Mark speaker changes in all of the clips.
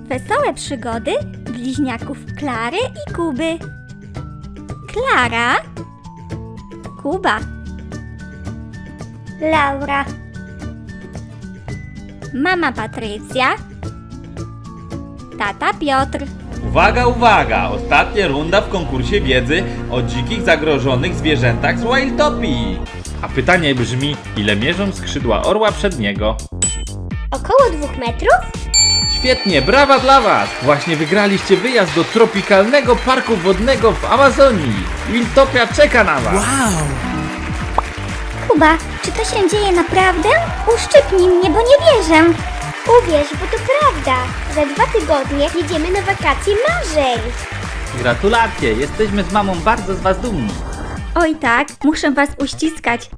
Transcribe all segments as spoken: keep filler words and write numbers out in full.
Speaker 1: Wesołe przygody bliźniaków Klary i Kuby. Klara, Kuba, Laura, mama Patrycja, tata Piotr.
Speaker 2: Uwaga, uwaga! Ostatnia runda w konkursie wiedzy o dzikich, zagrożonych zwierzętach z Wildtopii. A pytanie brzmi, ile mierzą skrzydła orła przedniego?
Speaker 3: Około dwóch metrów?
Speaker 2: Świetnie, brawa dla was! Właśnie wygraliście wyjazd do tropikalnego parku wodnego w Amazonii. Wildtopia czeka na was!
Speaker 1: Kuba, czy to się dzieje naprawdę? Uszczypnij mnie, bo nie wierzę.
Speaker 3: Uwierz, bo to prawda. Za dwa tygodnie jedziemy na wakacje marzeń.
Speaker 2: Gratulacje, jesteśmy z mamą bardzo z was dumni.
Speaker 1: Oj tak, muszę was uściskać.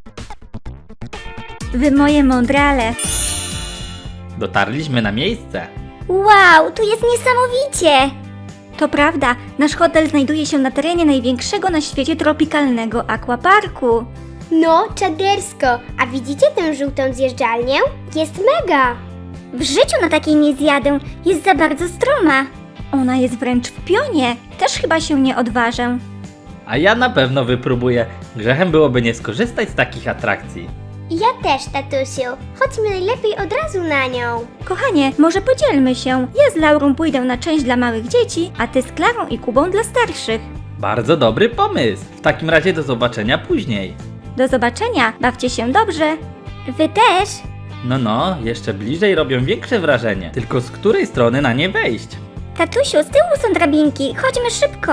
Speaker 1: Wy moje mądrale.
Speaker 2: Dotarliśmy na miejsce.
Speaker 1: Wow, tu jest niesamowicie! To prawda, nasz hotel znajduje się na terenie największego na świecie tropikalnego aquaparku.
Speaker 3: No, czadersko. A widzicie tę żółtą zjeżdżalnię? Jest mega.
Speaker 1: W życiu na takiej nie zjadę, jest za bardzo stroma. Ona jest wręcz w pionie, też chyba się nie odważę.
Speaker 2: A ja na pewno wypróbuję. Grzechem byłoby nie skorzystać z takich atrakcji.
Speaker 3: Ja też, tatusiu. Chodźmy najlepiej od razu na nią.
Speaker 1: Kochanie, może podzielmy się. Ja z Laurą pójdę na część dla małych dzieci, a ty z Klarą i Kubą dla starszych.
Speaker 2: Bardzo dobry pomysł. W takim razie do zobaczenia później.
Speaker 1: Do zobaczenia, bawcie się dobrze. Wy też?
Speaker 2: No no, jeszcze bliżej robią większe wrażenie. Tylko z której strony na nie wejść?
Speaker 1: Tatusiu, z tyłu są drabinki, chodźmy szybko.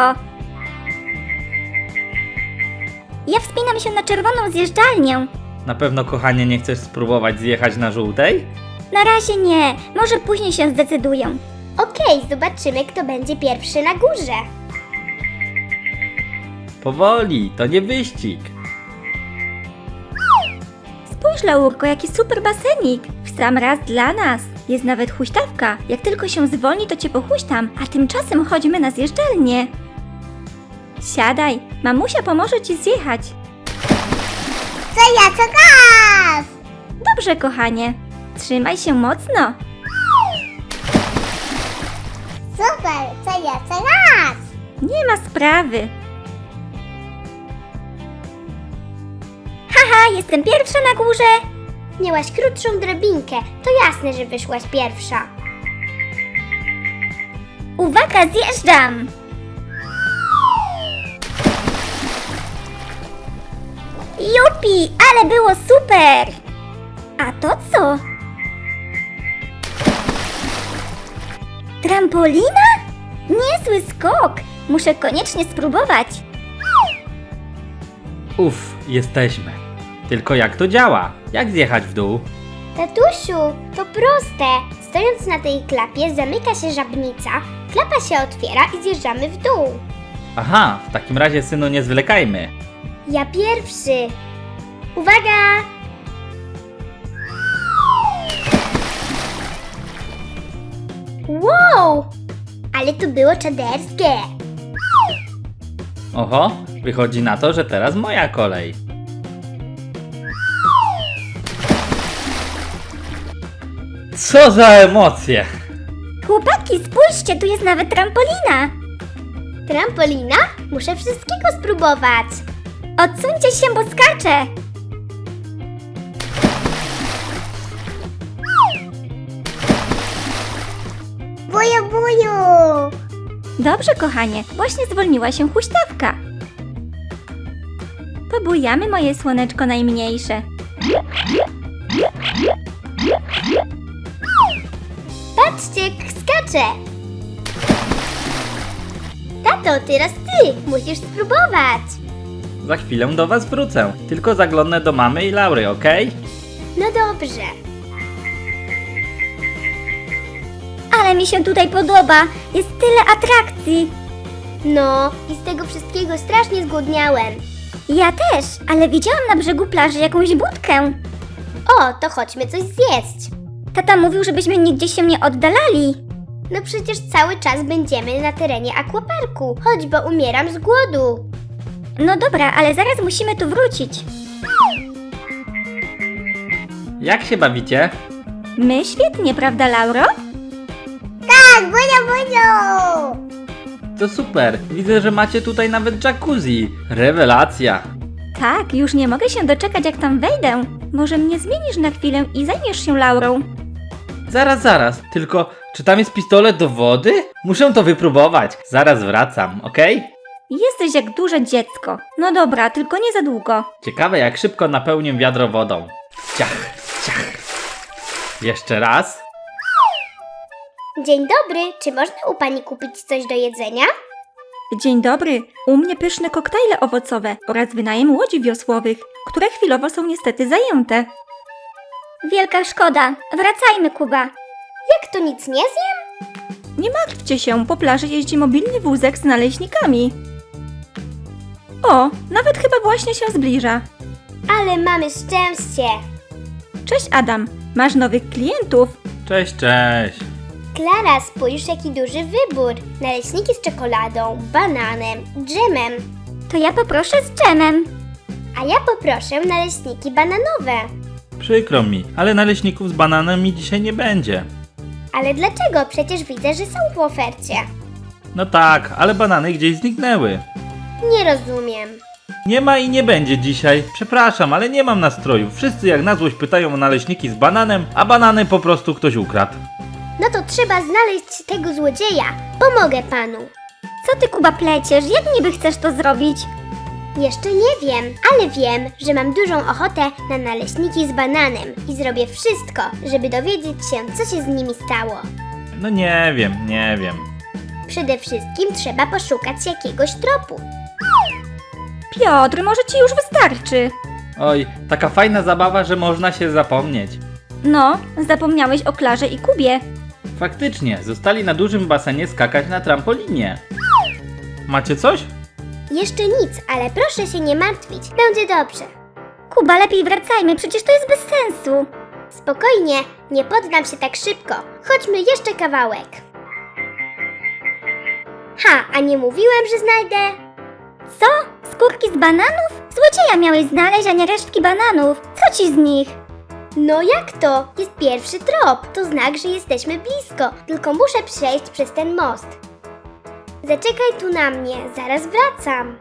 Speaker 1: Ja wspinam się na czerwoną zjeżdżalnię.
Speaker 2: Na pewno, kochanie, nie chcesz spróbować zjechać na żółtej?
Speaker 1: Na razie nie, może później się zdecyduję.
Speaker 3: Okej, zobaczymy, kto będzie pierwszy na górze.
Speaker 2: Powoli, to nie wyścig.
Speaker 1: Spójrz, Laurko, jaki super basenik. W sam raz dla nas. Jest nawet huśtawka. Jak tylko się zwolni, to cię pohuśtam, a tymczasem chodźmy na zjeżdżalnię. Siadaj, mamusia pomoże ci zjechać.
Speaker 3: Co ja, co gaz!
Speaker 1: Dobrze, kochanie. Trzymaj się mocno.
Speaker 3: Super, co ja, co gaz!
Speaker 1: Nie ma sprawy. Haha, jestem pierwsza na górze.
Speaker 3: Miałaś krótszą drabinkę, to jasne, że wyszłaś pierwsza.
Speaker 1: Uwaga, zjeżdżam. Jupi, ale było super. A to co? Trampolina? Niezły skok. Muszę koniecznie spróbować.
Speaker 2: Uff, jesteśmy. Tylko jak to działa? Jak zjechać w dół?
Speaker 3: Tatusiu, to proste. Stojąc na tej klapie zamyka się żabnica, klapa się otwiera i zjeżdżamy w dół.
Speaker 2: Aha, w takim razie, synu, nie zwlekajmy.
Speaker 3: Ja pierwszy. Uwaga! Wow! Ale to było czaderskie.
Speaker 2: Oho, wychodzi na to, że teraz moja kolej. Co za emocje!
Speaker 1: Chłopaki, spójrzcie, tu jest nawet trampolina.
Speaker 3: Trampolina? Muszę wszystkiego spróbować.
Speaker 1: Odsuńcie się, bo skaczę.
Speaker 3: Buju, buju!
Speaker 1: Dobrze, kochanie, właśnie zwolniła się huśtawka. Pobujamy, moje słoneczko najmniejsze.
Speaker 3: Patrzcie, jak skacze! Tato, teraz ty! Musisz spróbować!
Speaker 2: Za chwilę do was wrócę. Tylko zaglądnę do mamy i Laury, okej?
Speaker 3: No dobrze.
Speaker 1: Ale mi się tutaj podoba, jest tyle atrakcji.
Speaker 3: No, i z tego wszystkiego strasznie zgłodniałem.
Speaker 1: Ja też, ale widziałam na brzegu plaży jakąś budkę.
Speaker 3: O, to chodźmy coś zjeść.
Speaker 1: Tata mówił, żebyśmy nigdzie się nie oddalali.
Speaker 3: No przecież cały czas będziemy na terenie aquaparku, choć bo umieram z głodu.
Speaker 1: No dobra, ale zaraz musimy tu wrócić.
Speaker 2: Jak się bawicie?
Speaker 1: My świetnie, prawda, Lauro?
Speaker 3: Tak! Tak, budzio, budzio!
Speaker 2: To super, widzę, że macie tutaj nawet jacuzzi. Rewelacja.
Speaker 1: Tak, już nie mogę się doczekać, jak tam wejdę. Może mnie zmienisz na chwilę i zajmiesz się Laurą?
Speaker 2: Zaraz, zaraz, tylko czy tam jest pistolet do wody? Muszę to wypróbować. Zaraz wracam, okej?
Speaker 1: Jesteś jak duże dziecko. No dobra, tylko nie za długo.
Speaker 2: Ciekawe, jak szybko napełnię wiadro wodą. Ciach, ciach. Jeszcze raz.
Speaker 3: Dzień dobry, czy można u pani kupić coś do jedzenia?
Speaker 1: Dzień dobry, u mnie pyszne koktajle owocowe oraz wynajem łodzi wiosłowych, które chwilowo są niestety zajęte. Wielka szkoda. Wracajmy, Kuba.
Speaker 3: Jak to nic nie zjem?
Speaker 1: Nie martwcie się, po plaży jeździ mobilny wózek z naleśnikami. O, nawet chyba właśnie się zbliża.
Speaker 3: Ale mamy szczęście.
Speaker 1: Cześć Adam, masz nowych klientów?
Speaker 2: Cześć, cześć.
Speaker 3: Klara, spójrz jaki duży wybór. Naleśniki z czekoladą, bananem, dżemem.
Speaker 1: To ja poproszę z dżemem.
Speaker 3: A ja poproszę naleśniki bananowe.
Speaker 2: Przykro mi, ale naleśników z bananem mi dzisiaj nie będzie.
Speaker 3: Ale dlaczego? Przecież widzę, że są w ofercie.
Speaker 2: No tak, ale banany gdzieś zniknęły.
Speaker 3: Nie rozumiem.
Speaker 2: Nie ma i nie będzie dzisiaj. Przepraszam, ale nie mam nastroju. Wszyscy jak na złość pytają o naleśniki z bananem, a banany po prostu ktoś ukradł.
Speaker 3: No to trzeba znaleźć tego złodzieja. Pomogę panu.
Speaker 1: Co ty, Kuba, pleciesz? Jak niby chcesz to zrobić?
Speaker 3: Jeszcze nie wiem, ale wiem, że mam dużą ochotę na naleśniki z bananem i zrobię wszystko, żeby dowiedzieć się, co się z nimi stało.
Speaker 2: No nie wiem, nie wiem.
Speaker 3: Przede wszystkim trzeba poszukać jakiegoś tropu.
Speaker 1: Piotr, może ci już wystarczy.
Speaker 2: Oj, taka fajna zabawa, że można się zapomnieć.
Speaker 1: No, zapomniałeś o Klarze i Kubie.
Speaker 2: Faktycznie, zostali na dużym basenie skakać na trampolinie. Macie coś?
Speaker 3: Jeszcze nic, ale proszę się nie martwić, będzie dobrze.
Speaker 1: Kuba, lepiej wracajmy, przecież to jest bez sensu.
Speaker 3: Spokojnie, nie poddam się tak szybko. Chodźmy jeszcze kawałek. Ha, a nie mówiłem, że znajdę?
Speaker 1: Co? Skórki z bananów? Złodzieja miałeś znaleźć, a nie resztki bananów. Co ci z nich?
Speaker 3: No jak to? Jest pierwszy trop. To znak, że jesteśmy blisko. Tylko muszę przejść przez ten most. Zaczekaj tu na mnie, zaraz wracam.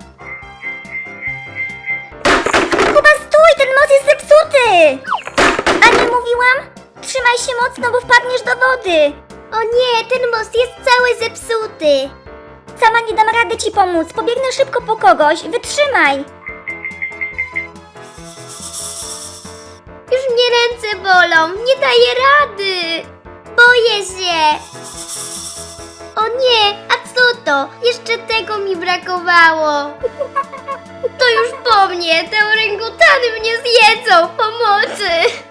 Speaker 1: Kuba, stój, ten most jest zepsuty! A nie mówiłam? Trzymaj się mocno, bo wpadniesz do wody.
Speaker 3: O nie, ten most jest cały zepsuty.
Speaker 1: Sama nie dam rady ci pomóc, pobiegnę szybko po kogoś, wytrzymaj.
Speaker 3: Już mnie ręce bolą, nie daję rady. Boję się. O nie, a co to? Jeszcze tego mi brakowało. To już po mnie, te orangutany mnie zjedzą, pomocy.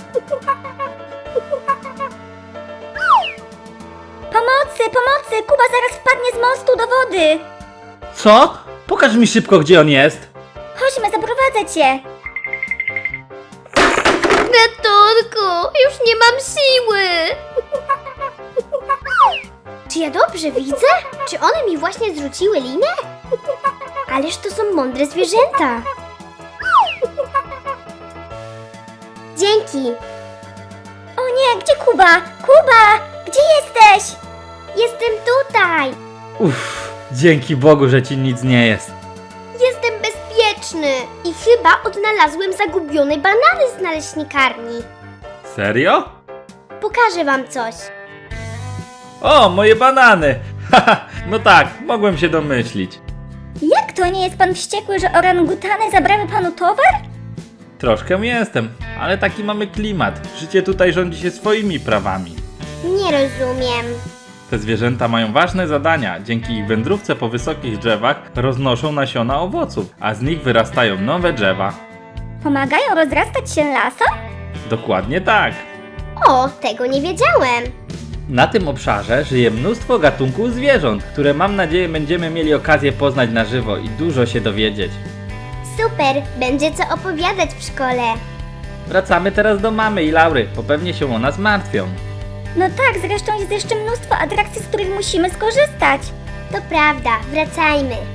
Speaker 1: Pomocy, pomocy, Kuba zaraz wpadnie z mostu do wody.
Speaker 2: Co? Pokaż mi szybko, gdzie on jest.
Speaker 1: Chodźmy, zaprowadzę cię.
Speaker 3: Ratunku, już nie mam siły. Czy ja dobrze widzę? Czy one mi właśnie zrzuciły linę? Ależ to są mądre zwierzęta. Dzięki.
Speaker 1: O nie, gdzie Kuba? Kuba, gdzie jesteś?
Speaker 3: Jestem tutaj.
Speaker 2: Uff, dzięki Bogu, że ci nic nie jest.
Speaker 3: Jestem bezpieczny. I chyba odnalazłem zagubione banany z naleśnikarni.
Speaker 2: Serio?
Speaker 3: Pokażę wam coś.
Speaker 2: O, moje banany! Haha, no tak, mogłem się domyślić.
Speaker 1: Jak to, nie jest pan wściekły, że orangutany zabrały panu towar?
Speaker 2: Troszkę jestem, ale taki mamy klimat. Życie tutaj rządzi się swoimi prawami.
Speaker 3: Nie rozumiem.
Speaker 2: Te zwierzęta mają ważne zadania. Dzięki ich wędrówce po wysokich drzewach roznoszą nasiona owoców, a z nich wyrastają nowe drzewa.
Speaker 1: Pomagają rozrastać się lasom?
Speaker 2: Dokładnie tak.
Speaker 3: O, tego nie wiedziałem.
Speaker 2: Na tym obszarze żyje mnóstwo gatunków zwierząt, które mam nadzieję będziemy mieli okazję poznać na żywo i dużo się dowiedzieć.
Speaker 3: Super, będzie co opowiadać w szkole.
Speaker 2: Wracamy teraz do mamy i Laury, bo pewnie się o nas martwią.
Speaker 1: No tak, zresztą jest jeszcze mnóstwo atrakcji, z których musimy skorzystać.
Speaker 3: To prawda, wracajmy.